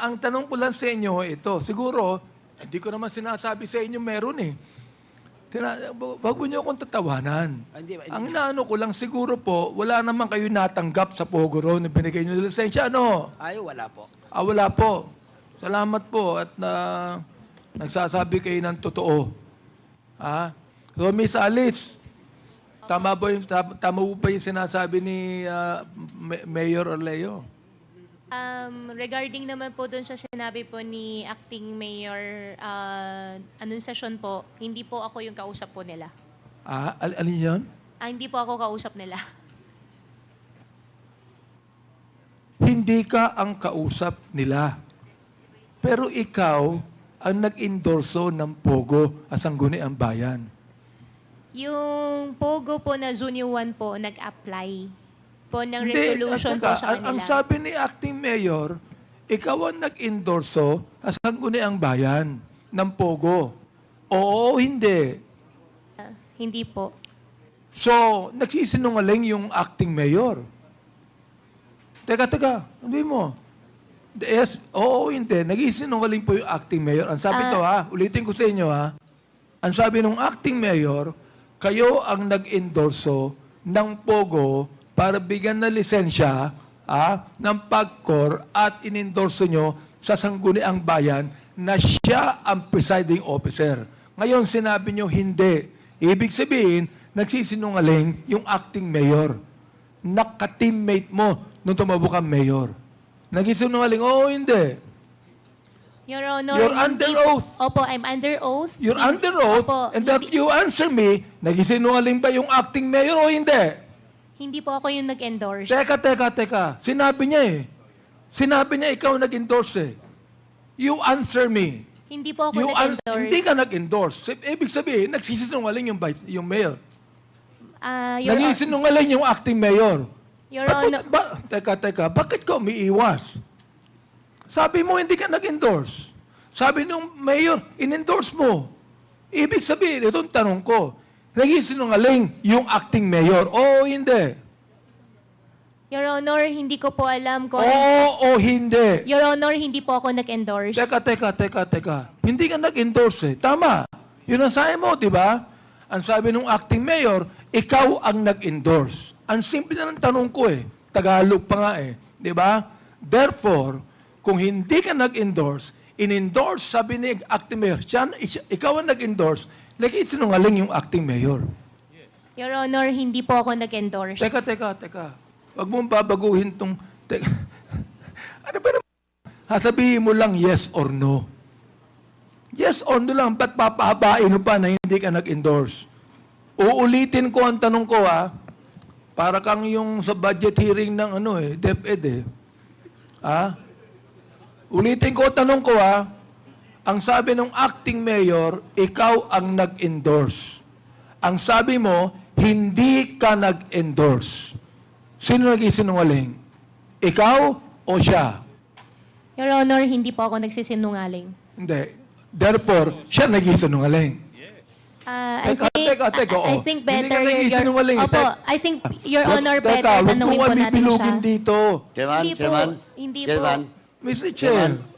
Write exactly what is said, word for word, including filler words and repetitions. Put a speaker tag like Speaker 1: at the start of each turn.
Speaker 1: ang tanong ko lang sa inyo, ito, siguro, hindi ko naman sinasabi sa inyo meron eh. Tina, wag mo niyo akong tatawanan.
Speaker 2: Hindi, hindi.
Speaker 1: Ang inaano ko lang, siguro po, wala naman kayo natanggap sa Pogo Road na binigay niyo ng lisensya. Ano?
Speaker 2: Ay, wala po.
Speaker 1: Ah, wala po. Salamat po at na nagsasabi kayo ng totoo. Ah? So, Miss Alice, tama ba yung, tama po ba yung sinasabi ni ah, Ma- Mayor Orleo?
Speaker 3: Um, regarding naman po doon sa sinabi po ni Acting Mayor uh, Anunciacion po, hindi po ako yung kausap po nila.
Speaker 1: Ah, al alin yun?
Speaker 3: Ah, hindi po ako kausap nila.
Speaker 1: Hindi ka ang kausap nila. Pero ikaw ang nag-endorso ng Pogo at Sangguniang Bayan.
Speaker 3: Yung Pogo po na Junior one po, nag-apply po ng
Speaker 1: Hindi,
Speaker 3: resolution
Speaker 1: teka,
Speaker 3: po sa
Speaker 1: ang, ang
Speaker 3: kanila.
Speaker 1: sabi ni Acting Mayor, ikaw ang nag-endorso at Sangguniang Bayan ng Pogo. Oo, hindi.
Speaker 3: Ah, hindi po.
Speaker 1: So, nagsisinungaling yung Acting Mayor. Teka, teka, hindi mo. Yes, oo, hindi. Nagsisinungaling po yung Acting Mayor. Ang sabi
Speaker 3: Ah.
Speaker 1: to ha, ulitin ko sa inyo ha. Ang sabi ng Acting Mayor, kayo ang nag-endorso ng Pogo para bigyan ng lisensya ah, ng PAGCOR at inendorso nyo sa Sangguniang Bayan na siya ang presiding officer. Ngayon, sinabi nyo hindi. Ibig sabihin, nagsisinungaling yung acting mayor. Naka-teammate mo nung tumabo kang mayor. Nagsisinungaling, oo, hindi.
Speaker 3: Your Honor,
Speaker 1: You're
Speaker 3: hindi
Speaker 1: under
Speaker 3: po-
Speaker 1: oath.
Speaker 3: Opo, I'm under oath.
Speaker 1: You're
Speaker 3: Hindi-
Speaker 1: under oath,
Speaker 3: Opo,
Speaker 1: and
Speaker 3: hindi,
Speaker 1: if you answer me, nagsisinungaling ba yung acting mayor o hindi?
Speaker 3: hindi po ako yung nag-endorse.
Speaker 1: Teka, teka, teka. Sinabi niya eh. Sinabi niya ikaw nag-endorse eh. You answer me.
Speaker 3: Hindi po ako
Speaker 1: You an-
Speaker 3: nag-endorse.
Speaker 1: hindi ka nag-endorse. Ibig sabihin, nagsisinungaling yung, vice- yung mayor.
Speaker 3: Ah, Your, Hon-
Speaker 1: Nagsisinungaling yung acting mayor.
Speaker 3: Your
Speaker 1: Ba't-
Speaker 3: Honor,
Speaker 1: ba, teka, teka. Bakit ka umiiwas? Sabi mo, hindi ka nag-endorse. Sabi nung mayor, in-endorse mo. Ibig sabihin, itong tanong ko, nagsisinungaling yung acting mayor. Oo, hindi.
Speaker 3: Your Honor, hindi ko po alam kung...
Speaker 1: Oo o hindi.
Speaker 3: Your Honor, hindi po ako nag-endorse.
Speaker 1: Teka, teka, teka, teka. Hindi ka nag-endorse eh. Tama. Yun ang sabi mo, di ba? Ang sabi ng acting mayor, ikaw ang nag-endorse. Ang simple na ng tanong ko eh. Tagalog pa nga eh. Di ba? Therefore, kung hindi ka nag-endorse, in-endorse, sabi ni acting mayor, siya, ikaw ang nag-endorse, lagi sinungaling yung acting mayor.
Speaker 3: Your Honor, hindi po ako nag-endorse.
Speaker 1: Teka, teka, teka. Huwag mong babaguhin tong... Teka. Ano ba naman? Sasabihin mo lang yes or no. Yes or no lang. Ba't papahabain mo pa na hindi ka nag-endorse? Uulitin ko ang tanong ko ha. Para kang yung sa budget hearing ng ano eh, DepEd eh. Ha? Ulitin ko ang tanong ko ha. Ang sabi ng acting mayor, ikaw ang nag-endorse. Ang sabi mo, hindi ka nag-endorse. Sino nag-isinungaling? Ikaw o siya?
Speaker 3: Your Honor, hindi po ako nagsisinungaling.
Speaker 1: Hindi. Therefore, siya nag-isinungaling.
Speaker 3: Ah, I
Speaker 1: Teka,
Speaker 3: think,
Speaker 1: teka, teka,
Speaker 3: I, I
Speaker 1: oo.
Speaker 3: think
Speaker 1: Hindi
Speaker 3: better
Speaker 1: ka
Speaker 3: your,
Speaker 1: nagsisinungaling.
Speaker 3: Opo,
Speaker 1: Tek-
Speaker 3: I think Your
Speaker 1: Teka,
Speaker 3: Honor
Speaker 1: teka,
Speaker 3: better
Speaker 1: huwag
Speaker 3: tanungin
Speaker 1: mo
Speaker 3: po natin siya.
Speaker 1: bibilugin dito.
Speaker 2: Chairman,
Speaker 3: Hindi po,
Speaker 2: Chairman,
Speaker 3: hindi po.
Speaker 2: Chairman,
Speaker 1: mister
Speaker 2: Chairman.
Speaker 1: Chair.